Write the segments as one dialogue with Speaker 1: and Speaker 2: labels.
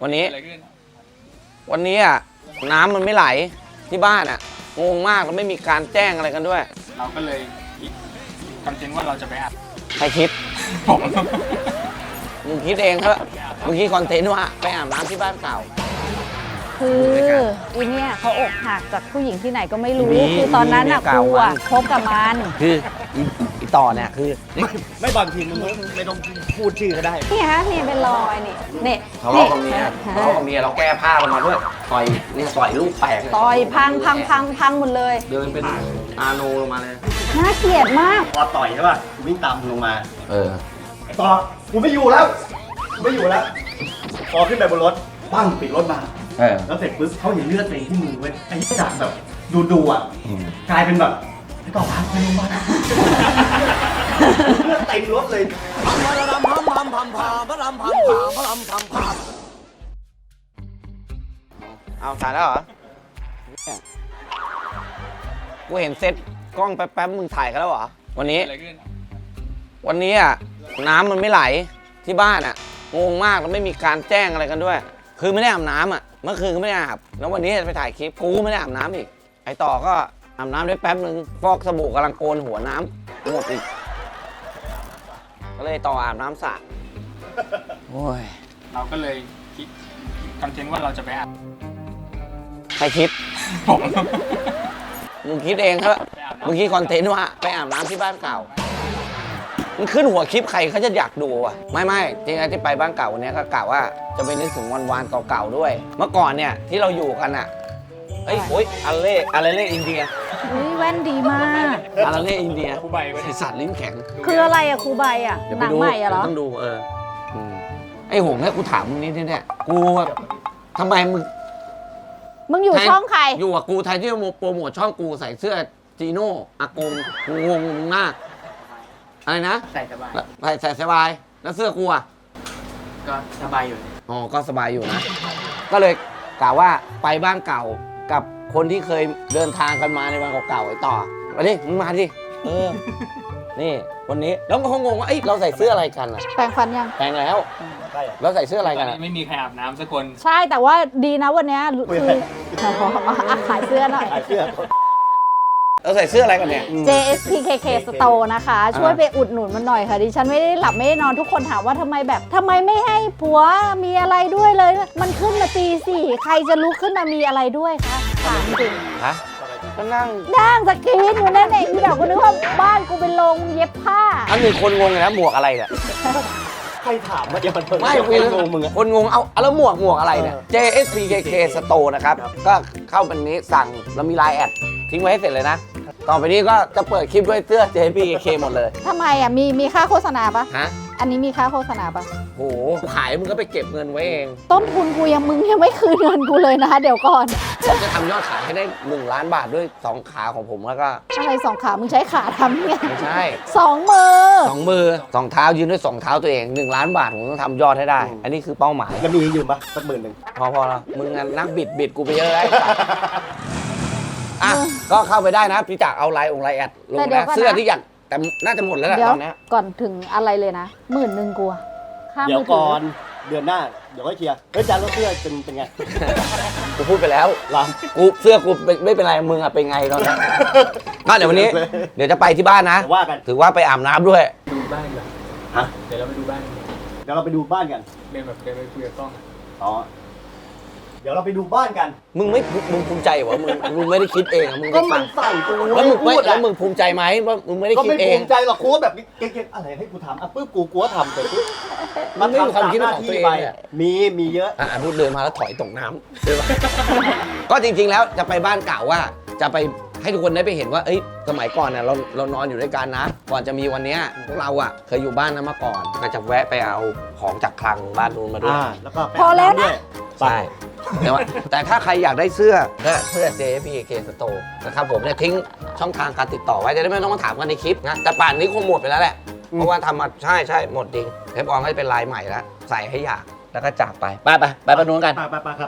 Speaker 1: วันนี้อ่ะน้ำมันไม่ไหลที่บ้านอ่ะงงมากแล้วไม่มีการแจ้งอะไรกันด้วย
Speaker 2: เราก็เลยคิดคอนเทนต์ว่าเราจะไปอัด
Speaker 1: ใครคิด
Speaker 2: ผม
Speaker 1: มึงคิดเองเถอะมึงคิดคอนเทนต์ว่าไปอาบน้ำที่บ้านเก่า
Speaker 3: คืออีเนี่ยเขาอกหักจากผู้หญิงที่ไหนก็ไม่รู้คือตอนนั้นอ่ะกูอ่ะคบกับมัน
Speaker 1: คืออีต่อเนี่ยคือ
Speaker 4: ไม่บางทีมึงไม่ต้องพูดชื่อก็ได้
Speaker 3: นี่ฮะนี่เป็นรอยนี่
Speaker 1: ทะเลาะกับเมียเราแก้ผ้ากันมาด้วยต่อยนี่ต่อยลูกแตก
Speaker 3: ต่อยพังหมดเลย
Speaker 1: เดินเป็นอาโนลงมาเลย
Speaker 3: น่าเกลียดมาก
Speaker 4: พอต่อยใช่ป่ะวิ่งตามลงมาต่อกูไม่อยู่แล้วพอขึ้นไปบนรถปั้งปิดรถมาแล้วเสร็จปุ๊บเขาเห็นเลือดเต็มที่มือเว้ยไอ้จากแบบดูอ่ะกลายเป็นแบบไอ้ต่อพักไปลงมาเลือดเต็มรถเลย
Speaker 1: เอาถ่ายแล้วเหรอกูเห็นเซ็ตกล้องแป๊บมึงถ่ายกันแล้วเหรอวันนี้อ่ะน้ำมันไม่ไหลที่บ้านอ่ะงงมากแล้วไม่มีการแจ้งอะไรกันด้วยคือไม่ได้อาบน้ำอ่ะเมื่อคืนก็ไม่ได้อาบแล้ววันนี้จะไปถ่ายคลิปกูไม่ได้อาบน้ำอีกไอต่อก็อาบน้ำได้แป๊บนึงฟอกสบู่กำลังโกนหัวน้ำหมดอีกก็เลยต่ออาบน้ำสระโอ้ย
Speaker 2: เราก็เลยคิดคอนเทนต์ว่าเราจะไปอัด
Speaker 1: ใครคิด
Speaker 2: ผม
Speaker 1: มึงคิดเองเถอะมึงคิดคอนเทนต์ว่าไปอาบน้ำที่บ้านเก่ามันขึ้นหัวคลิปใครเขาจะอยากดูอ่ะไม่จริงๆที่ไปบ้านเก่าวันนี้ก็กล่าวว่าจะไปนึกถึงวันเก่าๆด้วยเมื่อก่อนเนี่ยที่เราอยู่กันอ่ะโอ้ยอะไรเล่อินเดีย
Speaker 3: แว่นดีมาก
Speaker 1: อะไรเล่อินเดียไอสัตว์ลิ้นแข็ง
Speaker 3: คืออะไรอะครูใบอะหนังใหม่อะเหรอ
Speaker 1: ต้องดูไอหงเนี่ยกูถามมึงนิดเนี่ยกูทำไมมึง
Speaker 3: อยู่ช่องใคร
Speaker 1: อยู่กับกูไทยที่โปรโมทช่องกูใส่เสื้อจีโน่อากงกูงงมึงมากอะไรนะ
Speaker 2: ใส่สบาย
Speaker 1: ใส่สบายแล้วเสื้อกูอ่ะ
Speaker 2: ก็สบายอยู่
Speaker 1: อ๋อก็สบายอยู่นะก็เลยกล่าวว่าไปบ้านเก่ากับคนที่เคยเดินทางกันมาในวันเก่าๆไอ้ต่อมาดิมึงมาดินี่วันนี้แล้วก็คงงว่าเราใส่เสื้ออะไรกันอ่ะ
Speaker 3: แปรงฟันยัง
Speaker 1: แปรงแล้วแล้วใส่เสื้ออะไรกัน
Speaker 2: ไม่มีใครอาบน้ำสักคน
Speaker 3: ใช่แต่ว่าดีนะวันนี้คือขายเสื้อหน่อย
Speaker 1: เราใส่เสื้ออะไรกันเนี่ย
Speaker 3: JSPKK Store นะคะช่วยไปอุดหนุนมันหน่อยค่ะดิฉันไม่ได้หลับไม่ได้นอนทุกคนถามว่าทำไมไม่ให้ผัวมีอะไรด้วยเลยมันขึ้นมาตีสี่ใครจะลุกขึ้นมามีอะไรด้วยคะถามจริง
Speaker 1: ฮะก็นั่ง
Speaker 3: สกรีนอยู่นั่นเองพี่ดาวก็นึกว่าบ้านกูเป็นโรงเย็บผ้า
Speaker 1: อันนี้คนงงเลยนะหมวกอะไรเนี่ย
Speaker 4: ใครถามว่าจะมัน
Speaker 1: ไม่คนงงมึงคนงงเอาแล้วหมวกอะไรเนี่ย JSPKK Store นะครับก็เข้าเป็นนี้สั่งแล้วมีไลน์แอดทิ้งไว้ให้เสร็จเลยนะต่อไปนี้ก็จะเปิดคลิปด้วยเสื้อ JSPKK หมดเลย
Speaker 3: ทำไมอ่ะมีค่าโฆษณาปะ
Speaker 1: ฮะ
Speaker 3: อันนี้มีค่าโฆษณาปะ
Speaker 1: โหขายมึงก็ไปเก็บเงินไว้เอง
Speaker 3: ต้นทุนกูมึงยังไม่คืนเงินกูเลยนะเดี๋ยวก่อน
Speaker 1: ผมจะทำยอดขายให้ได้1 ล้านบาทด้วย2ขาของผมแล้วก็
Speaker 3: อะไร2ขามึงใช้ขาทำเนี่ย
Speaker 1: ไม่ใช่
Speaker 3: 2 มือ
Speaker 1: 2 เท้ายืนด้วย2 เท้าตัวเอง1 ล้านบาทผมต้องทำยอดให้ได้อันนี้คือเป้าหมาย
Speaker 4: แล้วมีอยู่ปะสัก10,000
Speaker 1: พอแล้วมึงนักบิดกูไปเยอะแล้วก็เข้าไปได้นะพี่จักเอาไลน์แอดลงนะเสื้อที่อยากแต่น่าจะหมดแล้วแหละตอนนี้
Speaker 3: ก่อนถึงอะไรเลยนะ10,000กู
Speaker 4: เดี๋ยวก่อนเดือนหน้าเดี๋ยวค่อยเคลียร์จานรถเสื้อเป็นไง
Speaker 1: กูพูดไปแล้วกูเสื้อกูไม่เป็นไรมึงอะเป็นไงตอนนี้ก็เดี๋ยววันนี้เดี๋ยวจะไปที่บ้านนะถือว่าไปอาบน้ำด้วย
Speaker 2: ดูบ้านกัน
Speaker 4: ฮะ
Speaker 2: เดี๋ยวเราไปดูบ้าน
Speaker 4: กัน
Speaker 2: เดินไปคุยกับกล้อง
Speaker 4: อ๋อเดี๋ยวเราไปดูบ้านกัน
Speaker 1: มึงภูมิใจเหรอมึงไม่ได้คิดเองมึง
Speaker 4: ก็มันใส่กู
Speaker 1: แล้วมึงภูมิใจไหมว่ามึงไม่ได้คิดเอง
Speaker 4: ก็ไม่ภูมิใจหรอกกูแบบเก่งๆอะไรให้กูทำปุ๊บกูทำแต่ปุ๊บ
Speaker 1: มันไม่มีความคิดของตัวเอง
Speaker 4: มีเยอะ
Speaker 1: พูดเดินมาแล้วถอยตกน้ำใช่ปะก็จริงๆแล้วจะไปบ้านเก่าว่าจะไปให้ทุกคนได้ไปเห็นว่าสมัยก่อนเนี่ยเรานอนอยู่ด้วยกันนะก่อนจะมีวันนี้พวกเราเคยอยู่บ้านนั้นมาก่อนก็จะแวะไปเอาของจากคลังบ้านนู้นมาด้วย
Speaker 4: แล้วก็
Speaker 3: พอแล้วนะ
Speaker 1: ใช่แต่ถ้าใครอยากได้เสื้อJSPKK Store นะครับผมเนี่ยทิ้งช่องทางการติดต่อไว้จะได้ไม่ต้องมาถามกันในคลิปนะแต่ป่านนี้คงหมดไปแล้วแหละเพราะว่าทำมาใช่หมดจริงเทปออนก็จะเป็นลายใหม่แล้วใส่ให้อยากแล้วก็จากไปไปนู้นกัน
Speaker 4: ไปครับ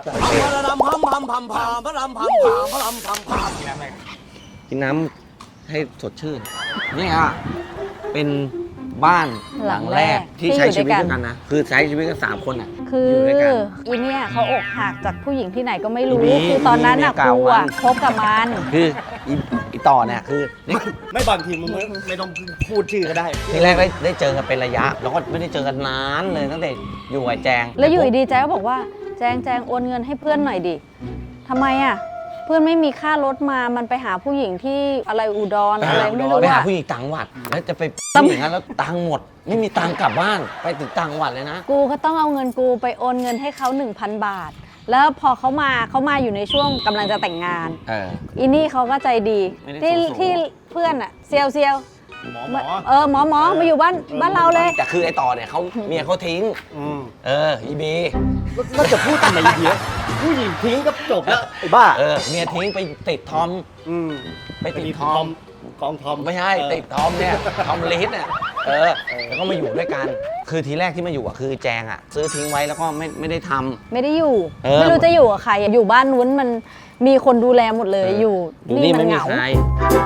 Speaker 1: กินน้ำให้สดชื่นนี่เป็นบ้านหลังแรกที่ใช้ชีวิตด้วยกันนะคือใช้ชีวิตกัน3 คน
Speaker 3: คืออีเนี่ยเขาอกหักจากผู้หญิงที่ไหนก็ไม่รู้
Speaker 1: อีบี
Speaker 3: คือตอนนั้นน่ะ
Speaker 1: อีบีเมียเก่า
Speaker 3: กูอะ
Speaker 1: มัน
Speaker 3: คบกับมัน
Speaker 1: คืออีต่อเนี่ยคือ
Speaker 4: ไม่บางทีมึงไม่ต้องพูดชื่อก็ได้
Speaker 1: ทีแรกได้เจอกันเป็นระยะ แล้วก็ไม่ได้เจอกันนานเลยตั้งแต่อยู่กับแจง
Speaker 3: แล้วอยู่ดีๆแจงก็บอกว่าแจงโอนเงินให้เพื่อนหน่อยดิทำไมอ่ะเพื่อนไม่มีค่ารถมามันไปหาผู้หญิงที่อะไรอุดรอะไรไม่รู้
Speaker 1: ไปหา
Speaker 3: อ่ะ
Speaker 1: ผู้หญิงต่างจังหวัดแล้วจะไปผู้หญิงนั้นแล้วตังค์หมด ไม่มีตังค์กลับบ้านไปถึงต่างจังหวัดเลยนะ
Speaker 3: กูก็ต้องเอาเงินกูไปโอนเงินให้เขา 1,000 บาท แล้วพอเขามาอยู่ในช่วงกำลังจะแต่งงาน อีนี่เขาก็ใจดี
Speaker 1: ไม่ได้
Speaker 3: ที่
Speaker 1: ส่ง
Speaker 3: ที่เพื่อนอะเซียว
Speaker 4: หมอ
Speaker 3: หมอมาอยู่บ้านเราเลย
Speaker 1: แต่คือไอ้ต่อเนี่ยเขาเมียเขาทิ้ง อีบี
Speaker 4: ก็จะพูดทำไมเยอะผู้หญิงทิ้งก็จบแล้วไอ้บ้า
Speaker 1: เมียทิ้งไปติดทอม ไปติดทอม
Speaker 4: กองทอม
Speaker 1: ไม่ใช่ติดทอมเนี่ยทอมลิสเนี่ยแล้วก็มาอยู่ด้วยกัน คือทีแรกที่มาอยู่อ่ะคือแจงอ่ะซื้อทิ้งไว้แล้วก็ไม่ได้ทำ
Speaker 3: ไม่ได้อยู่
Speaker 1: ไม่
Speaker 3: ไม่รู้จะอยู่กับใครอะอยู่บ้านนู้นมันมีคนดูแลหมดเลยอยู่
Speaker 1: อยู่
Speaker 3: นี่
Speaker 1: นี่
Speaker 3: มั
Speaker 1: ไม่
Speaker 3: นเห
Speaker 1: มี
Speaker 3: งา
Speaker 1: ใคร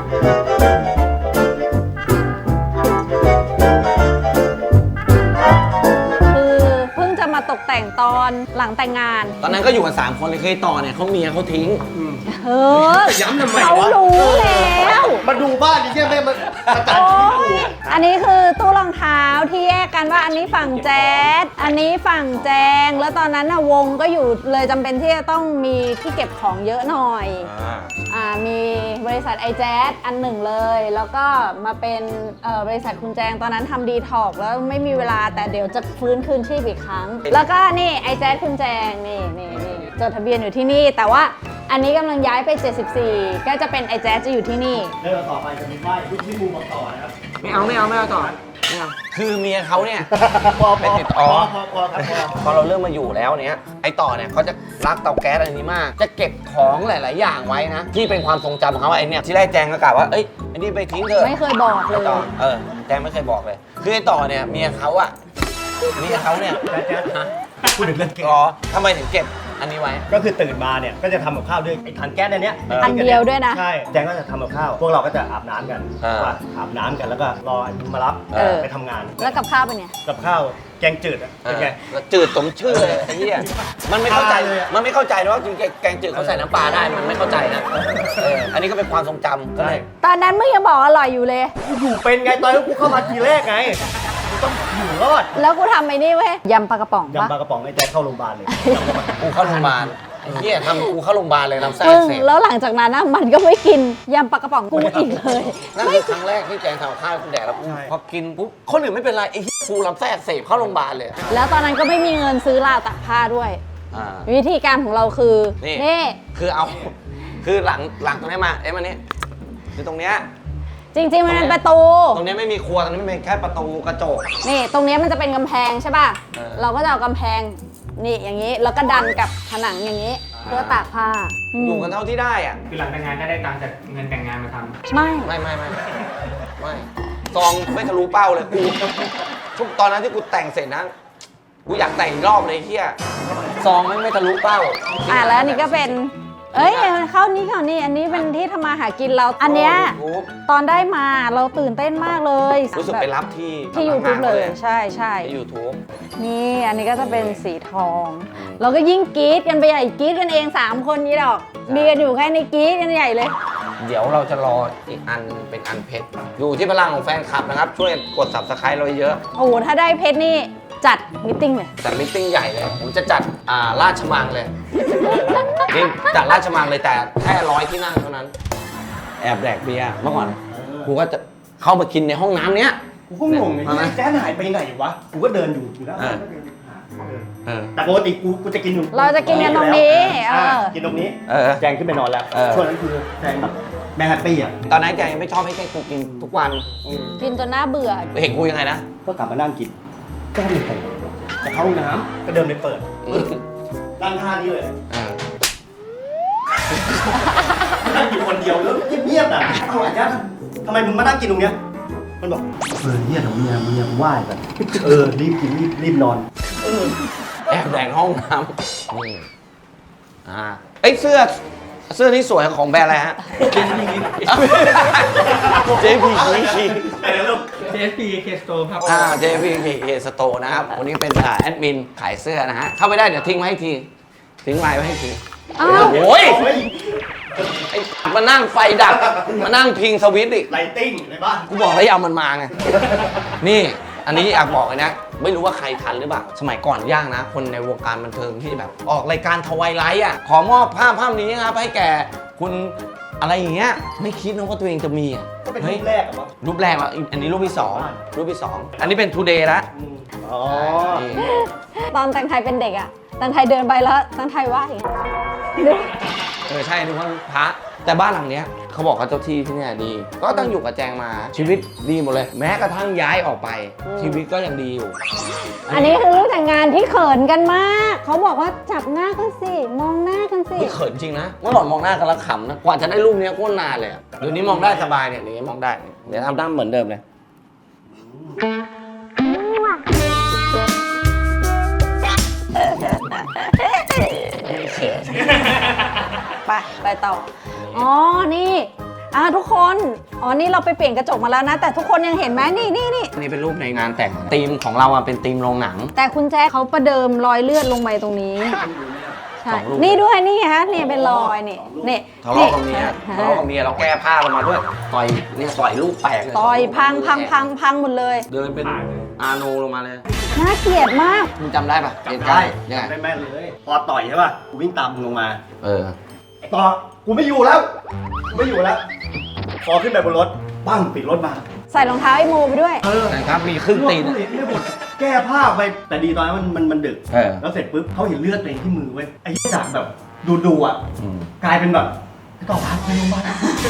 Speaker 3: คือเพิ่งจะมาตกแต่งตอนหลังแต่งงาน
Speaker 1: ตอนนั้นก็อยู่กัน3 คนเลยเคยต่อเนี่ยเขาเมียเขาทิ้ง
Speaker 3: เออ
Speaker 4: ย้ำทำไม
Speaker 3: เขา
Speaker 4: วะ
Speaker 3: รู้แล้ว
Speaker 4: มาดูบ้านนี่ใช่ไหมมันประจาน
Speaker 3: โอ้
Speaker 4: ชีวิต
Speaker 3: ย
Speaker 4: กู
Speaker 3: อันนี้คือตู้รองเท้าที่แยกกันว่าอันนี้ฝั่งแจ๊ดอันนี้ฝั่งแจง แล้วตอนนั้นน่ะวงก็อยู่เลยจำเป็นที่จะต้องมีที่เก็บของเยอะหน่อยมีบริษัทไอแจ๊ดอันหนึ่งเลย แล้วก็มาเป็นบริษัทคุณแจงตอนนั้นทำดีท็อกแล้วไม่มีเวลาแต่เดี๋ยวจะฟื้นคืนชีพอีกครั้ง แล้วก็นี่ไอแจ๊ดคุณแจงนี่จดทะเบียนอยู่ที่นี่ แต่ว่าอันนี้กำลังย้ายไป 74 ก็จะเป็นไอแจ๊ดจะอยู่ที่นี่
Speaker 4: เรื่องต่อไปจะมีป้ายที่มูบอกต่อนะครับ
Speaker 1: ไม่เอาต่อไม่เอาคือเมียเขาเนี่ย
Speaker 4: พอ
Speaker 1: ไปติดอ๋อ
Speaker 4: พอครับพอ
Speaker 1: พอเราเริ่มมาอยู่แล้วเนี้ยไอ้ต่อเนี่ยเขาจะรักเตาแก๊สอันนี้มาก จะเก็บของหลาย ๆ อย่างไว้นะ ที่เป็นความทรงจำของเขาไอ้เนี่ยที่แรกแจงก็กล่าวว่าเอ้ยอันนี้ไปทิ้งเถอะ
Speaker 3: ไม่เคยบอกเลย
Speaker 1: ต่อแจงไม่เคยบอกเลย คือไอ้ต่อเนี่ยเมียเขาเนี่ย
Speaker 4: แจ๊ดพูดถึงเรื่องเก็บ
Speaker 1: อ๋อทำไมถึงเก็บอันนี้ไว้
Speaker 4: ก็คือตื่นมาเนี่ย ก็จะทำกับข้าวด้วยไอ้ถังแก๊สอันเนี้ย
Speaker 3: อันเดียวด้วยนะ
Speaker 4: ใช่ แจงก็จะทำกับข้าว พวกเราก็จะอาบน้ำกัน ว่าอาบน้ำกันแล้วก็รอไอ้มารับ ไปทำงาน
Speaker 3: แล้วกับข้าวเป็นไง
Speaker 4: กับข้าวแกงจืดอะเป็นไง
Speaker 1: แล้วจืดสมชื่อเลยไอ้เหี้ยมันไม่เข้าใจ
Speaker 4: เลยอะ
Speaker 1: มันไม่เข้าใจนะว่าจริงๆแกงจืดเขาใส่น้ำปลาได้มันไม่เข้าใจนะอันนี้ก็เป็นความทรงจำก็
Speaker 4: ใช่
Speaker 1: เลย
Speaker 3: ตอนนั้นมึงยังบอกอร่อยอยู่เลย
Speaker 4: กูอยู่เป็นไงตอนที่กูเข้ามาทีแรกไงกูต้องอยู่รอด
Speaker 3: แล้วกูทำไอ้นี่เว้ยยำปลากระป๋องปะ
Speaker 4: ยำปลากระป๋องไอ้แจ๊คเข้าโรงพยาบาลเลย
Speaker 1: กูเข้าโรงพยาบาลไอ้เหี้ยทำกูเข้าโรงพยาบาลเลยลำไส้
Speaker 3: มึ
Speaker 1: อั
Speaker 3: ง
Speaker 1: กเสบ
Speaker 3: แล้วหลังจากนั้นนะมันก็ไม่กินยำปลากระป๋องกูอีกเลย
Speaker 1: นั่นคือครั้งแรกที่แจงทำกับข้าวให้คุณแดกแล้วกู
Speaker 4: ใช่
Speaker 1: พอกินปุ๊บคนอื่นไม่เป็นไรไอ้เหี้ยกูลำไส้อักเสบเข้าโรงพยาบาลเลย
Speaker 3: แล้วตอนนั้นก็ไม่มีเงินซื้อราวตากผ้าด้วย
Speaker 1: อ่า
Speaker 3: วิธีการของเราคือ
Speaker 1: นี่ คือเอาคือหลังตรงนี้มามันนี่คือตรงเนี้ย
Speaker 3: จริงๆมันเป็นประตู
Speaker 1: ตรงเนี้ยไม่มีครัวตรงนี้มันเป็นแค่ประตูกระจก
Speaker 3: นี่ตรงเนี้ยมันจะเป็นกำแพงใช่ป่ะ
Speaker 1: เออ
Speaker 3: เราก็จะเอากำแพงนี่อย่างนี้แล้วก็ดันกับผนังอย่างนี้ เพื่อตากผ้า
Speaker 1: อยู่กันเท่าที่ได้อ่ะ
Speaker 2: คือหลังแต่งงานก็ได้ตังค์จากเงินแต่งงานมาทำ
Speaker 3: ไม่
Speaker 1: ไม่ซองไม่ทะลุเป้าเลยกูทุกตอนนั้นที่กูแต่งเสร็จนะกูอยากแต่งอีกรอบเลยไอ้เฮียซองไม่ทะลุเป้า
Speaker 3: แล้วอันนี้ก็เป็น เอ้ยเข้านี้อันนี้เป็นที่ทำมาหากินเรา อันเนี้ย
Speaker 1: YouTube
Speaker 3: ตอนได้มาเราตื่นเต้นมากเลย
Speaker 1: รู้สึกไปรับที่
Speaker 3: ที่ YouTube เลยใช่
Speaker 1: ที่ YouTube
Speaker 3: นี่อันนี้ก็จะเป็นสีทอง เราก็ยิ่งกรี๊ดกันไปใหญ่กรี๊ดกันเอง3คนนี้ดอกมีกันอยู่แค่ในกรี๊ดกันใหญ่เลย
Speaker 1: เดี๋ยวเราจะรออีกอันเป็นอันเพชรอยู่ที่พลังของแฟนคลับนะครับ ช่วยกด Subscribe เราเยอะ
Speaker 3: โอ้โหถ้าได้เพชรนี่จัดมิทติ้งเลย
Speaker 1: จัดมิทติ้งใหญ่เลย ผมจะจัดราชมังเลยนี่จัดราชมังเลยแต่แค่100 ที่นั่งเท่านั้น แอบแดกเบียร์เมื่อก่อนกูก็จะเข้ามากินในห้องน้ำเนี้ย
Speaker 4: กูก็งงเลยไอ้แจ๊คหายไปไหนวะ กูก็เดินอยู่แล้ว แต่ปกติกูจะกินอยู่
Speaker 3: เราจะกินกันตรงนี้
Speaker 4: กินตรงนี้ แจงขึ้นไปนอนแล้ว ช่วงนั้นคือแจงแบบแม่แฮปปี้อ่ะ
Speaker 1: ตอนนั้นแกยังไม่ชอบให้แกกูกินทุกวัน
Speaker 3: กินจนน่าเบื่อ
Speaker 1: เห็นกูยังไงนะ
Speaker 4: ก็กลับมานั่งกิน ก็ไม่ไปจะเข้าห้องน้ำก็เดินไปเปิดนั่งท่านี้เลยนั่งอยู่คนเดียวแล้วเงียบๆอ่ะเอาอาจารย์ทำไมมึงมานั่งกินตรงเนี้ย มันบอกเฮียของเมียไหว้กันรีบกินรีบนอน
Speaker 1: แอบแดงห้องน้ำนี่ไอยเสื้อนี่สวยของแบรนด์อะไรฮะ JPK
Speaker 2: JSP K Store ครับ
Speaker 1: JPK Store นะครับวันนี้เป็นแอดมินขายเสื้อนะฮะเข้าไปได้เดี๋ยวทิ้งไว้ให้ทีทิ้งไลน์ไว้ให้ที
Speaker 3: อ้าว
Speaker 1: โอ้ยไอ้มานั่งไฟดับมานั่งพิงสวิตช์อีก
Speaker 4: ไลติ้งในบ้าน
Speaker 1: กูบอกแล้วอย่าเอามันมาไง นี่อันนี้อยากบอกเลยนะ ไม่รู้ว่าใครทันหรือเปล่า สมัยก่อนย่างนะ คนในวงการบันเทิงที่แบบ ออกรายการทวายไลท์อ่ะ ขอมอบภาพนี้นะครับ ให้แก่คุณอะไรอย่างเงี้ย ไม่คิดนะว่าตัวเองจะมีอ่ะ
Speaker 4: ก็เป็น
Speaker 1: ฮ้
Speaker 4: รู
Speaker 1: ย
Speaker 4: ปแรกอะมั้ง
Speaker 1: รูปแรกอ่ะอันนี้รูปที่สองรูปที่สองอันนี้เป็นทูเดย์ละ
Speaker 4: อ๋อ
Speaker 1: นี่
Speaker 3: ตอนแตงไทยเป็นเด็กอะแตงไทยเดินไปแล้วแตงไทยว่าอย่างเงี้ย
Speaker 1: ใช่นึกว่าพระแต่บ้านหลังเนี้ยเขาบอกว่าเจ้าที่ที่เนี่ยดี ก็ต้องอยู่กับแจงมาชีวิตดีหมดเลย แม้กระทั่งย้ายออกไป ชีวิตก็ยังดีอยู่
Speaker 3: อันนี้คือรูปแต่งงานที่เขินกันมาก เขาบอกว่าจับหน้ากันสิ มองหน้ากันสิ
Speaker 1: ไม่เขินจริงนะเมื่อก่อนมองหน้ากันแล้วขำนะ กว่าจะได้รูปเนี้ยโคตรนานเลยอะเดี๋ยวนี้มองได้สบายเนี่ยอย่างนี้มองได้ เดี๋ยวทำหน้าเหมือนเดิมเลย
Speaker 3: ไปต่อ อ๋อ นี่ทุกคน อ๋อ นี่เราไปเปลี่ยนกระจกมาแล้วนะ แต่ทุกคนยังเห็นไหมนี่
Speaker 1: อันนี้เป็นรูปในงานแต่งธีมของเราอะเป็นธีมโรงหนัง
Speaker 3: แต่คุณแจ๊คเขาประเดิมรอยเลือดลงไปตรงนี้ ใช่
Speaker 1: สองรูป
Speaker 3: นี่ด้วยนี่ฮะนี่เป็นรอยนี่นี่
Speaker 1: ทะเลาะกับเมียทะเลาะกับเมียเราแก้ผ้าลงมาด้วย ต่อยเนี่ยต่อยลูกแตกเลย
Speaker 3: ต่อยพังหมดเลย
Speaker 1: เดินเป็นอาโนลงมาเลย
Speaker 3: น่าเกลียดมาก
Speaker 1: มึงจำได้ปะเหตุ
Speaker 4: ได้
Speaker 1: การณ์ยังไง
Speaker 4: ได้แม่นเลย พอต่อยใช่ป่ะ กูวิ่งตามมึงลงมา
Speaker 1: เออ
Speaker 4: ไอ้ต่อ กูไม่อยู่แล้ว ไม่อยู่แล้ว พอขึ้นไปบนรถ ปั้งปิดรถมา
Speaker 3: ใส่รองเท้าไอ้โมไปด้วย
Speaker 1: นะครับมีครึ่งตีน
Speaker 4: เลือดหมดแก้ผ้าไป แต่ดีตอนนั้นมันดึก
Speaker 1: เออ
Speaker 4: แล้วเสร็จปุ๊บเขาเห็นเลือดตัวเองที่มือเว้ย ไอ้จากแบบดูอ่ะ กลายเป็นแบบไอ้ต่อพาไปโรงพยาบาล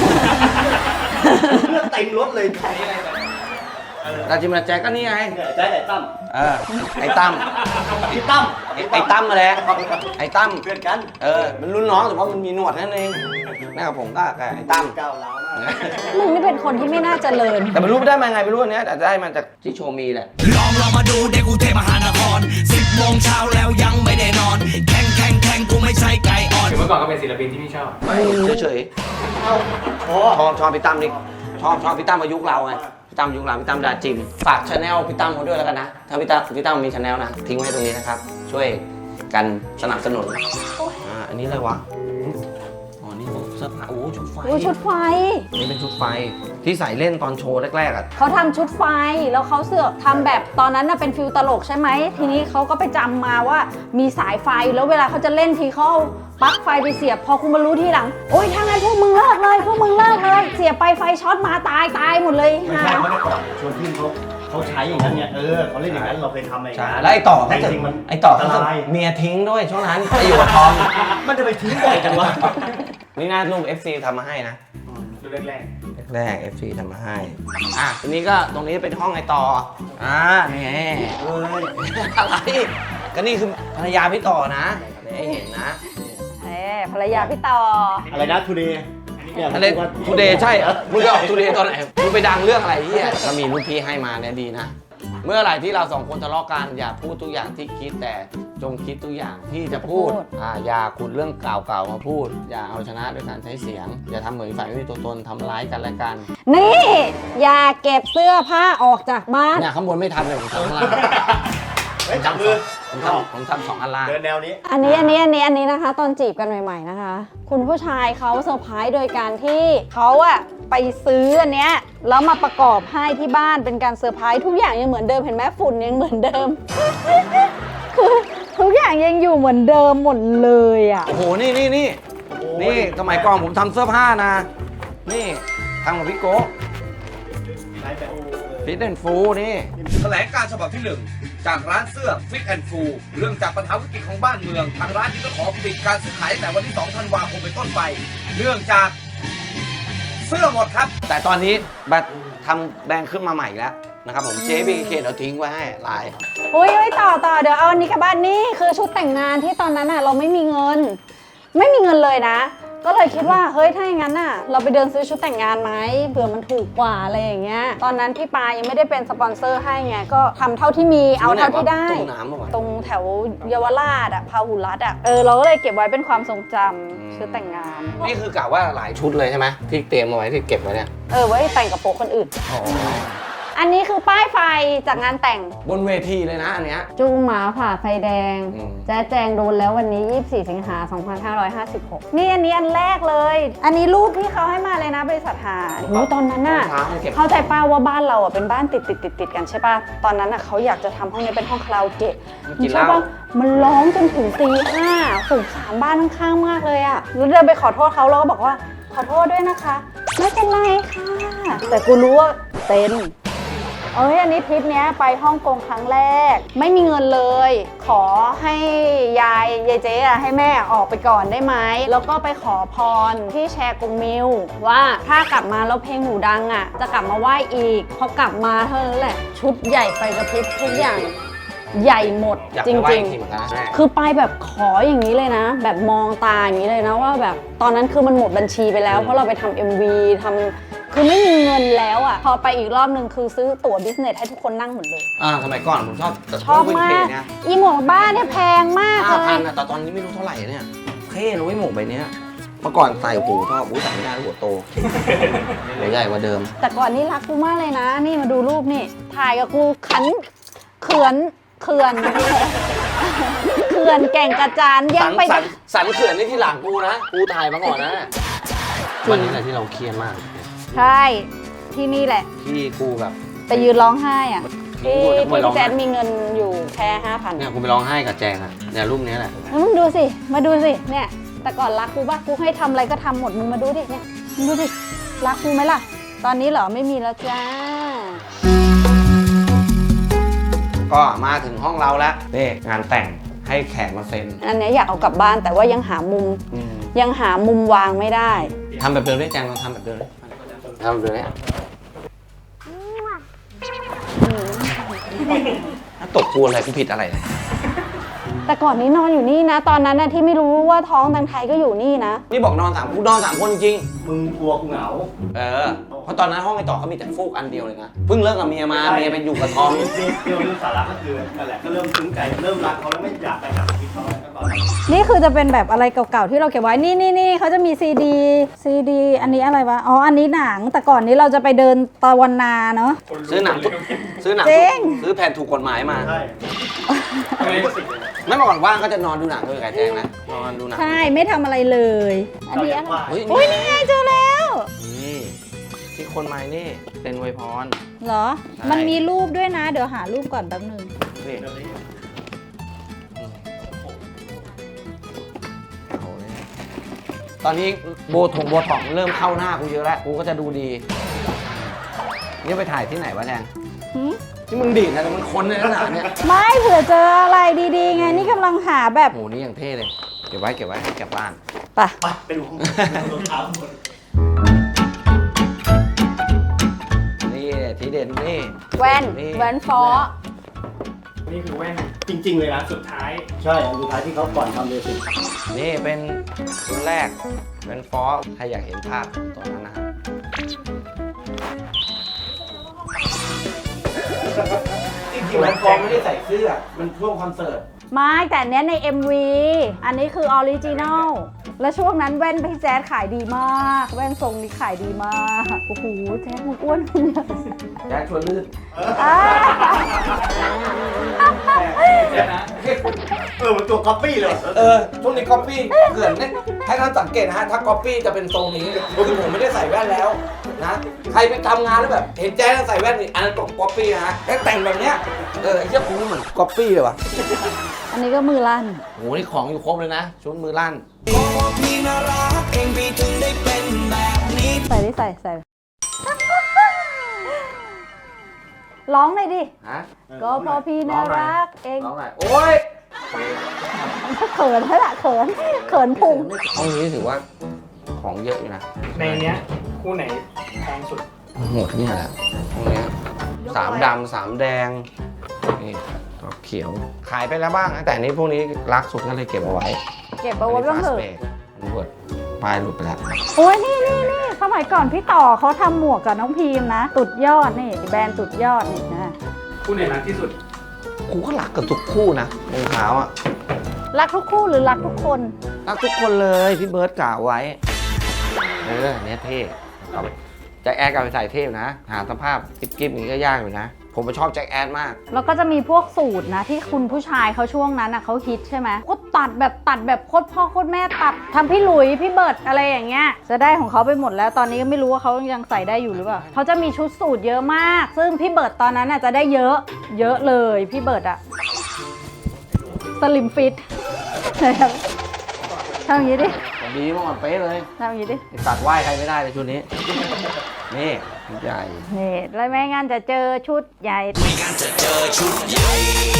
Speaker 4: เลือดเต็มรถเลยใครอะไรแบบ
Speaker 1: ราจิมาแจ็คก็นี่ไง
Speaker 4: เนี่ยใจไอ้ตั้ม
Speaker 1: เออ ไอ้ตั้ม
Speaker 4: พี่ตั้ม
Speaker 1: ไอ้ตั้มมาแหละไอ้ตั้ม
Speaker 4: เพื่อนกัน
Speaker 1: เออ มันรุ่นน้องแต่ว่ามันมีหนวดนั่นเองนะครับผมก็กับไอ้ตั้ม
Speaker 4: ก้าวร้าวมาก
Speaker 3: มึงนี่เป็นคนที่ไม่น่าเจริญ
Speaker 1: แต่ไม่รู้ได้มาไงไม่รู้อันเนี้ยแต่ได้มาจากที่โชว์มีแหละ
Speaker 5: ลองมาดูเด็กกรุงเทพมหานคร 10 โมงเช้าแล้วยังไม่ได้นอน แข่งกูไม่ใช่ไก่อ่อน
Speaker 2: ถึงเมื่อก่อนก็เป็นศิลปินที่พี่ชอบ
Speaker 1: เฉย
Speaker 4: โอ้
Speaker 1: ๆชอบพี่ตั้มนี่ชอบพี่ตั้มมายุคเราไงพี่ตั้มยุคเราพี่ตั้มดาจิมฝากชาแนลพี่ตั้มเขาด้วยแล้วกันนะถ้าพี่ตั้มมีชาแนลนะทิ้งไว้ตรงนี้นะครับ ช่วยกันสนับสนุนอันนี้อะไรวะอ๋อนี่พวกเสื้อผ้าโอ้ชุดไฟ
Speaker 3: ดูชุดไฟ
Speaker 1: นี่เป็นชุดไฟที่ใส่เล่นตอนโชว์แรกๆอ่ะ
Speaker 3: เขาทำชุดไฟ แล้วเขาเสือกทำแบบตอนนั้นน่ะเป็นฟิลตลกใช่ไหม ทีนี้เขาก็ไปจำมาว่ามีสายไฟ แล้วเวลาเขาจะเล่นทีเขาเอาปลั๊กไฟไปเสียบ พอคุณมารู้ทีหลัง โอ๊ยถ้างั้นพวกมึงเลิกเลย พวกมึงเลิกเลย เสียบไปไฟช็อตมาตายหมดเลย
Speaker 4: ไม่ใช่เขาได้ก่อนชวนพี่เขาใช้อย่างนั้นเนี่ยเขาเล่นอย่างนั้นเราเคยทำอะไรอย่าง
Speaker 1: ใช่
Speaker 4: นั้น
Speaker 1: แล้วไอ้ต่อ
Speaker 4: แต่
Speaker 1: เขาจะ
Speaker 4: จริงๆมัน
Speaker 1: ไอ้ต่อ
Speaker 4: อั
Speaker 1: เขา
Speaker 4: นต
Speaker 1: จะ
Speaker 4: ราย
Speaker 1: เมียทิ้งด้วยช่วงนั้นไปอยู่กับทอม
Speaker 4: มันจะไปทิ้งบ่อยจังวะ
Speaker 1: นี่น่ารูป FC ทำมาให้นะ
Speaker 2: ดูแรก
Speaker 1: แรก FC ทำมาให้ทีนี้ก็ตรงนี้เป็นห้องไอต่อนี่อะไรก็นี่คือภรรยาพี่ต่อนะให้เห็นนะ
Speaker 3: ภรรยาพี่ต่อ
Speaker 4: อะไรนะทูเดย์
Speaker 1: อะไรทูเดย์ใช่มึงจะออกทูเดย์ตอนไหนมึงไปดังเรื่องอะไรเนี่ยก็มีรุ่นพี่ให้มาเนี่ยดีนะ เมื่อไหร่ที่เราสองคนทะเลาะกันอย่าพูดทุกอย่างที่คิดแต่จงคิดทุกอย่างที่จะพูดอย่าขุดเรื่องเก่าๆมาพูด อย่าเอาชนะด้วยการใช้เสียง อย่าทำเหมือนฝ่ายไม่มีตัวตนทำร้ายกันและกัน
Speaker 3: นี่ อย่าเก็บเสื้อผ้าออกจากบ้าน
Speaker 1: เนี่ยข้างบนไม่ทำเลยผมทำข้างล่าง
Speaker 4: เฮ้ยจับมือ
Speaker 1: ผมทำสองอันล่าง
Speaker 4: เดินแนวนี้
Speaker 3: อันนี้นะคะ ตอนจีบกันใหม่ๆนะคะ คุณผู้ชายเขาเซอร์ไพรส์โดยการที่เขาอะไปซื้ออันเนี้ยแล้วมาประกอบให้ที่บ้านเป็นการเซอร์ไพรส์ทุกอย่างยังเหมือนเดิมเห็นไหมฝุ่นยังเหมือนเดิม คือทุกอย่างยังอยู่เหมือนเดิมหมดเลยอะ
Speaker 1: โอ้โหนี่สมัยก่อนผมทำเสื้อผ้านะ นี่ทำกับพี่โก้ฟิตแอนด์ฟูนี่
Speaker 6: แถลงการฉบับที่ 1 จากร้านเสื้อ Fit and Full เรื่องจากปัญหาวิกฤตของบ้านเมือง ทางร้านจึงต้องขอปิดการซื้อขายตั้งแต่วันที่ 2 ธันวาคมเป็นต้นไป เนื่องจากเสื้อหมดครับ
Speaker 1: แต่ตอนนี้บัตรทำแบรนด์ขึ้นมาใหม่อีกแล้วนะครับผม JBK เดี๋ยวทิ้งไว้ให้ลาย
Speaker 3: อุ้ยต่อเดี๋ยวเอาอันนี้กลับบ้านนี่คือชุดแต่งงานที่ตอนนั้นอะเราไม่มีเงินเลยนะ ก็เลยคิดว่าเฮ้ยถ้าอย่างนั้นน่ะเราไปเดินซื้อชุดแต่งงานไหมเผื่อมันถูกกว่าอะไรอย่างเงี้ยตอนนั้นพี่ปายังไม่ได้เป็นสปอนเซอร์ให้ไงก็ทำเท่าที่มีเอาเท่าที่ได้
Speaker 1: ตรงน้ำป่ะวะ
Speaker 3: ตรงแถวเยาวราชอะพาหุรัตน์อะเราก็เลยเก็บไว้เป็นความทรงจำชุดแต่งงาน
Speaker 1: นี่คือกะว่าหลายชุดเลยใช่ไหมที่เตรียมเอาไว้ที่เก็บไว้เนี่ย
Speaker 3: ไว้แต่งกับโป๊ะคนอื่นอันนี้คือป้ายไฟจากงานแต่ง
Speaker 1: บนเวทีเลยนะอันเนี้ย
Speaker 3: จูงหมาผ่าไฟแดง
Speaker 1: อืม
Speaker 3: แจ๊แจงโดนแล้ววันนี้ 24 สิงหา 2556 นี่อันนี้อันแรกเลย อันนี้รูปที่เขาให้มาเลยนะบริษัทหาโอ้ตอนนั้นน่ะ
Speaker 1: รองเท้าให้เก็บ
Speaker 3: เข้าใจป้าว่าบ้านเราอ่ะเป็นบ้านติดกันใช่ป่ะ ตอนนั้นอ่ะเขาอยากจะทำห้องนี้เป็นห้องคาราโอเกะ
Speaker 1: กินเหล้า
Speaker 3: ใช่ปะมันร้องจนถึงตี 5สงสารบ้านข้างๆมากเลยอ่ะแล้วเดินไปขอโทษเขาแล้วก็บอกว่าขอโทษด้วยนะคะ ไม่เป็นไรค่ะ แต่กูรู้ว่าเป็นอันนี้ทริปเนี้ยไปฮ่องกงครั้งแรก ไม่มีเงินเลย ขอให้ยายเจ๊อะให้แม่ออกไปก่อนได้ไหมแล้วก็ไปขอพรที่แชร์กงมิวว่าถ้ากลับมาแล้วเพลงหนูดังอ่ะจะกลับมาไหว้อีกพอกลับมาเท่านั้นแหละ ชุดใหญ่ไฟกระพริบทุกอย่างใหญ่หมด
Speaker 1: อยาก
Speaker 3: จ
Speaker 1: ไปไหว้
Speaker 3: ริง
Speaker 1: อีกทีเหมือนกันนะ
Speaker 3: ๆ คือไปแบบขออย่างนี้เลยนะ แบบมองตาอย่างนี้เลยนะว่าแบบตอนนั้นคือมันหมดบัญชีไปแล้ว เพราะเราไปทำ MV ทำคือไม่มีเงินแล้วอ่ะพอไปอีกรอบนึงคือซื้อตั๋วบิสเนสให้ทุกคนนั่งหมดเลย
Speaker 1: สมัยก่อนผมชอบ
Speaker 3: ชอบมาก
Speaker 1: เนี่ย
Speaker 3: อีหมวกบ้านเนี่ยแพงมากเล
Speaker 1: 5,000
Speaker 3: ย
Speaker 1: นะแต่ตอนนี้ไม่รู้เท่าไหร่เนี่ยเท่นะเว้ยหมวกใบเนี้ยเมื่อก่อนใส่หูชอบใส่ไม่ได้หัวโตหัวใหญ่กว่าเดิม
Speaker 3: แต่ก่อนนี่รักกูมากเลยนะ นี่มาดูรูปนี่ถ่ายกับกูเขื่อนเขื่อนแก่งกระจานยังไป
Speaker 1: สันเขื่อนนี่ที่หลังกูนะกูถ่ายมาก่อนนะวันนี้แหละที่เราเครียดมาก
Speaker 3: ใช่ที่นี่แหละ
Speaker 1: ที่กูแบบ
Speaker 3: ไปยืนร้องไห้อ่ะที่
Speaker 1: กูจะไปร้องไห้
Speaker 3: พี่แจ๊ดมีเงินอยู่แค่ 5,000
Speaker 1: เนี่ยกูไปร้องไห้กับแจงอะเนี่ยรูปนี้แหละ
Speaker 3: แล้วมึงดูสิ มาดูสิ เนี่ย แต่ก่อนรักกูป่ะ กูให้ทำอะไรก็ทำหมด มึงมาดูดิ เนี่ย มึงดูดิ รักกูไหมล่ะ ตอนนี้เหรอ ไม่มีแล้วจ้า
Speaker 1: ก็มาถึงห้องเราแล้วนี่งานแต่งให้แขกมาเซ็น
Speaker 3: อันเนี้ยอยากเอากลับบ้านแต่ว่ายังหามุม ยังหามุมวางไม่ได้
Speaker 1: ทำแบบเดิมได้แจงลองทำแบบเดิมเลยทำแบบเดิมเลยถ้าตบกูอะไรกูผิดอะไรเนี่ย
Speaker 3: แต่ก่อนนี้นอนอยู่นี่นะ ตอนนั้นนะที่ไม่รู้ว่าท้องตังไทยก็อยู่นี่นะ
Speaker 1: นี่บอกนอน3กูนอน3คนจริง
Speaker 4: มึงกลัวกูเหงา
Speaker 1: เพราะตอนนั้นห้องไอ้ต่อเขามีแต่ฟูกอันเดียวเลยนะเพิ่งเลิกกับเมียมาเมียไปอยู่กับทอม
Speaker 4: เรื่องสาระก็คือนั่นแหละก็เริ่มซึ้งใจเริ่มรักเขาแล้วไม่อยากไปหาชีวิตเขาแล้วก็ตอนนั้น
Speaker 3: นี่คือจะเป็นแบบอะไรเก่าๆที่เราเก็บไว้ นี่เขาจะมีซีดี อันนี้อะไรวะ อ๋อ อันนี้หนัง แต่ก่อนนี้เราจะไปเดินตะวันนาเนาะ
Speaker 1: ซื้อหนัง
Speaker 3: จริง
Speaker 1: ซื้อแผ่นถูกกฎหมายมา
Speaker 4: ใช่
Speaker 1: ไม่เมื่อก่อนว่างก็จะนอนดูหนังด้วยกับแจงนะนอนดูหนัง
Speaker 3: ใช่ ไม่ทำอะไรเลย อันนี้อะไร
Speaker 1: เฮ้ย
Speaker 3: อุ้ยนี่ไงเจอแล้ว
Speaker 1: นี่ที่คนมานี่เป็นอวยพร
Speaker 3: เหรอ
Speaker 1: ใช่
Speaker 3: มันมีรูปด้วยนะ เดี๋ยวหารูปก่อนแป๊บนึง
Speaker 1: นี่ตอนนี้โบท็อกเริ่มเข้าหน้ากูเยอะแล้วกูก็จะดูดีนี่ไปถ่ายที่ไหนวะแจง
Speaker 3: หืม
Speaker 1: ที่มึงดีดนะแต่มันคนในขนาดเนี้ย
Speaker 3: ไม่เผื่อเจออะไรดีๆ ไง นี่กำลังหาแบบ
Speaker 1: โหนี่อย่างเท่เลย เก็บไว้เก็บบ้าน
Speaker 3: ไป
Speaker 4: ไปดูรองเท้าหมด
Speaker 1: นี่ทีเด่นนี่
Speaker 3: แว่น
Speaker 1: นี่
Speaker 3: แว่นฟอ
Speaker 2: นี่คือแว่น
Speaker 4: จริงๆเลยนะ
Speaker 2: สุดท้าย
Speaker 4: ใช่อันสุดท้ายที่เขาก่อนทำเลยสิ
Speaker 1: นี่เป็นรุ่นแรกเป็นฟอสถ้าอยากเห็นภาพตอนนั้นนะครับจริงๆมันฟอไม่ได้ใส่เสื้อมันช่วงคอนเสิร์ต
Speaker 3: ไม่แต่อันเนี้ยใน MV อันนี้คือออริจินอล แล้วช่วงนั้นแว่นพี่แจ๊ดขายดีมาก แว่นทรงนี้ขายดีมาก โอ้โห แจ๊ดมึงอ้วนขึ้นเยอะ
Speaker 1: แจ็คชวนลื่น
Speaker 3: อ่า
Speaker 4: มันตัวก๊อปปี้เลย
Speaker 1: ช่วงนี้ก๊อปปี้เกินเนี่ยให้ท่านสังเกตนะฮะถ้าก๊อปปี้จะเป็นทรงนี้คือผมไม่ได้ใส่แว่นแล้วนะใครไปทำงานแล้วแบบเห็นแจ๊คใส่แว่นนี่อันนั้นก๊อปปี้นะฮะแต่แต่งแบบเนี้ยไอ้เหี้ยกูเหมือนก๊อปปี้เลยว่ะ
Speaker 3: อันนี้ก็มือลั่น
Speaker 1: โหนี่ของอยู่ครบเลยนะชุดมือลั่น
Speaker 5: พี่น่ารักเองพี่ถึงได้เป็นแบบนี้
Speaker 3: ใส่ดิใส่ ร้องเลยดิ
Speaker 1: ฮะ
Speaker 3: ก็เพอพี่น่ารักเอง
Speaker 1: ร้องหน่อยโอ๊ย
Speaker 3: เขินแล้วล่ะเขินพุง
Speaker 1: ห้องนี้ถือว่าของเยอะอยู่นะ
Speaker 2: ในเนี้ยคู่ไหนแพงสุด
Speaker 1: หมดเนี่ยแหละห้องเนี้ย3 ดำ 3 แดงนี่ดอกเขียวขายไปแล้วบ้างนะแต่อันนี้พวกนี้รักสุดก็เลยเก็บเอาไว้
Speaker 3: เก็บเอาไว้บ้างเถอะ
Speaker 1: อันนี้เวิร์ดปลายหลุดไปแล้ว
Speaker 3: โอ้ยนี่สมัยก่อนพี่ต่อเขาทำหมวกกับน้องพีมนะ ตุดยอดนี่แบรนด์ตุดยอดนี่นะ
Speaker 2: คู่ไหนรักที่สุด
Speaker 1: กูก็รักกับทุกคู่นะรองเท้าอ่ะ
Speaker 3: รักทุกคู่หรือรักทุกคน
Speaker 1: รักทุกคนเลยพี่เบิร์ดกล่าวไว้อันเนี้ยเท่เอาไปแจ็คแอดกับไปใส่เทพนะ หาสภาพกิ๊บๆอย่างนี้ก็ยากอยู่นะ ผมชอบแจ็คแอดมาก
Speaker 3: แล้วก็จะมีพวกสูตรนะที่คุณผู้ชายเขาช่วงนั้นเขาฮิตใช่ไหมก็ตัดแบบโคตรพ่อโคตรแม่ตัดทำพี่หลุยพี่เบิร์ดอะไรอย่างเงี้ยจะได้ของเขาไปหมดแล้วตอนนี้ก็ไม่รู้ว่าเขายังใส่ได้อยู่หรือเปล่าเขาจะมีชุดสูตรเยอะมาก ซึ่งพี่เบิร์ดตอนนั้นจะได้เยอะเลยพี่เบิร์ดอะสลิมฟิตทำอย่างนี้ดิ
Speaker 1: ดีเมื่อก่อนเป๊ะเลย
Speaker 3: ทำอย่างนี้ดิ
Speaker 1: ตัดไหว้ใครไม่ได้เลยชุดนี้ นี่ชุดใหญ่
Speaker 3: นี่แล้วไม่งั้นจะเจอชุดใหญ่
Speaker 5: ไม่งั้นจะเจอชุดใหญ่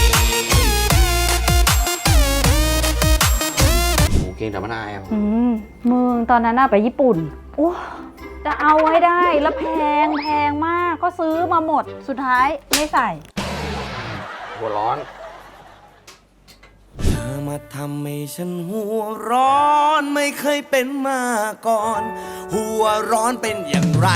Speaker 1: โอ้เก่งแต่มะนาว
Speaker 3: มึงตอนนั้นไปญี่ปุ่นโอ้จะเอาให้ได้แล้วแพงมากก็ซื้อมาหมดสุดท้ายไม่ใส่
Speaker 1: หัวร้อน
Speaker 5: เธอมาทำให้ฉันหัวร้อนไม่เคยเป็นมาก่อน หัวร้อนเป็นอย่างไร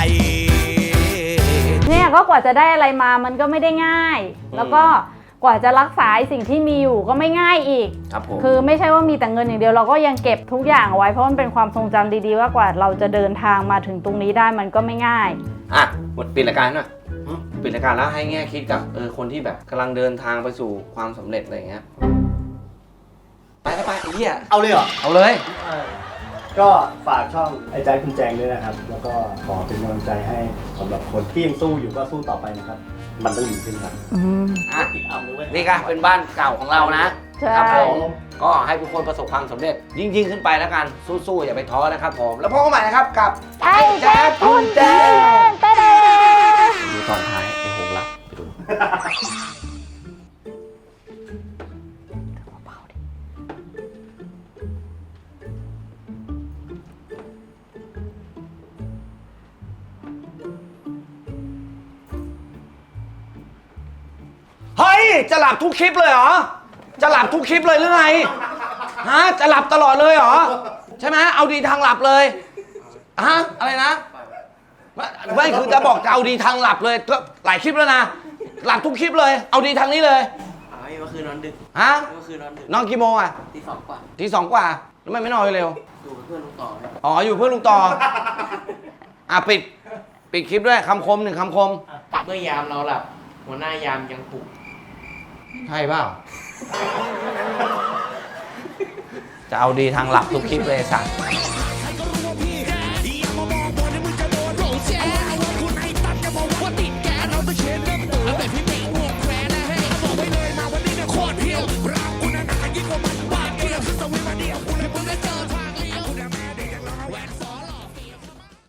Speaker 3: เนี่ยก็กว่าจะได้อะไรมามันก็ไม่ได้ง่าย แล้วก็กว่าจะรักษาสิ่งที่มีอยู่ก็ไม่ง่ายอีก
Speaker 1: ครับผม
Speaker 3: คือไม่ใช่ว่ามีแต่เงินอย่างเดียวเราก็ยังเก็บทุกอย่างเอาไว้เพราะมันเป็นความทรงจำดีๆว่ากว่าเราจะเดินทางมาถึงตรงนี้ได้มันก็ไม่ง่าย
Speaker 1: อ่ะหมดปิดรายการหน่อยปิดรายการแล้วให้แง่คิดกับคนที่แบบกำลังเดินทางไปสู่ความสำเร็จอะไรอย่างเงี้ย ไปไอ้เหี้ย
Speaker 4: เอาเลยเหรอ
Speaker 1: เอาเลย
Speaker 4: ก็ฝากช่องไอ้ใจคุณแจงด้วยนะครับ แล้วก็ขอเป็นกำลังใจให้สำหรับคนที่ยังสู้อยู่ก็สู้ต่อไปนะครับ มันต้องดีขึ้นครับ
Speaker 1: อ่ะ
Speaker 4: ติดอัมด้วย
Speaker 1: นี่ก็เป็นบ้านเก่าของเรานะ
Speaker 3: ใช่
Speaker 1: ครับผมก็ให้ทุกคนประสบความสำเร็จ ยิ่งขึ้นไปแล้วกัน สู้ๆอย่าไปท้อนะครับผม แล้วพบกันใหม่นะครับกับ
Speaker 3: ไอ้แจ๊คคุณแจ๊คเต้
Speaker 1: ดูตอนท้ายไอ้หงรับไปดูเฮ้ย จะหลับทุกคลิปเลยเหรอ จะหลับทุกคลิปเลยหรือไง ฮะ จะหลับตลอดเลยเหรอ ใช่ไหมเอาดีทางหลับเลย ฮะ อะไรนะ ไม่คือจะบอกจะเอาดีทางหลับเลยก็หลายคลิปแล้วนะ หลับทุกคลิปเลย เอาดีทางนี้เลย
Speaker 7: เมื่อคืนนอนดึก
Speaker 1: ฮะ
Speaker 7: เมื่อคืนนอนดึก
Speaker 1: นอนกี่โมงอ่ะ
Speaker 7: ตีสองกว่า
Speaker 1: ทีสองกว่าแล้วทำไมไม่นอนเร็ว
Speaker 7: อยู่กับเพื่อนลุงต่อเนี่ย
Speaker 1: อ๋อ อยู่เพื่อนลุงต่อ อ่ะปิดคลิปด้วยคำคมหนึ่งคำคม
Speaker 7: เมื่อยามเราหลับ หัวหน้ายามยังปลุก
Speaker 1: ใช่เปล่า จะเอาดีทางหลับทุกคลิปเลยสัตว์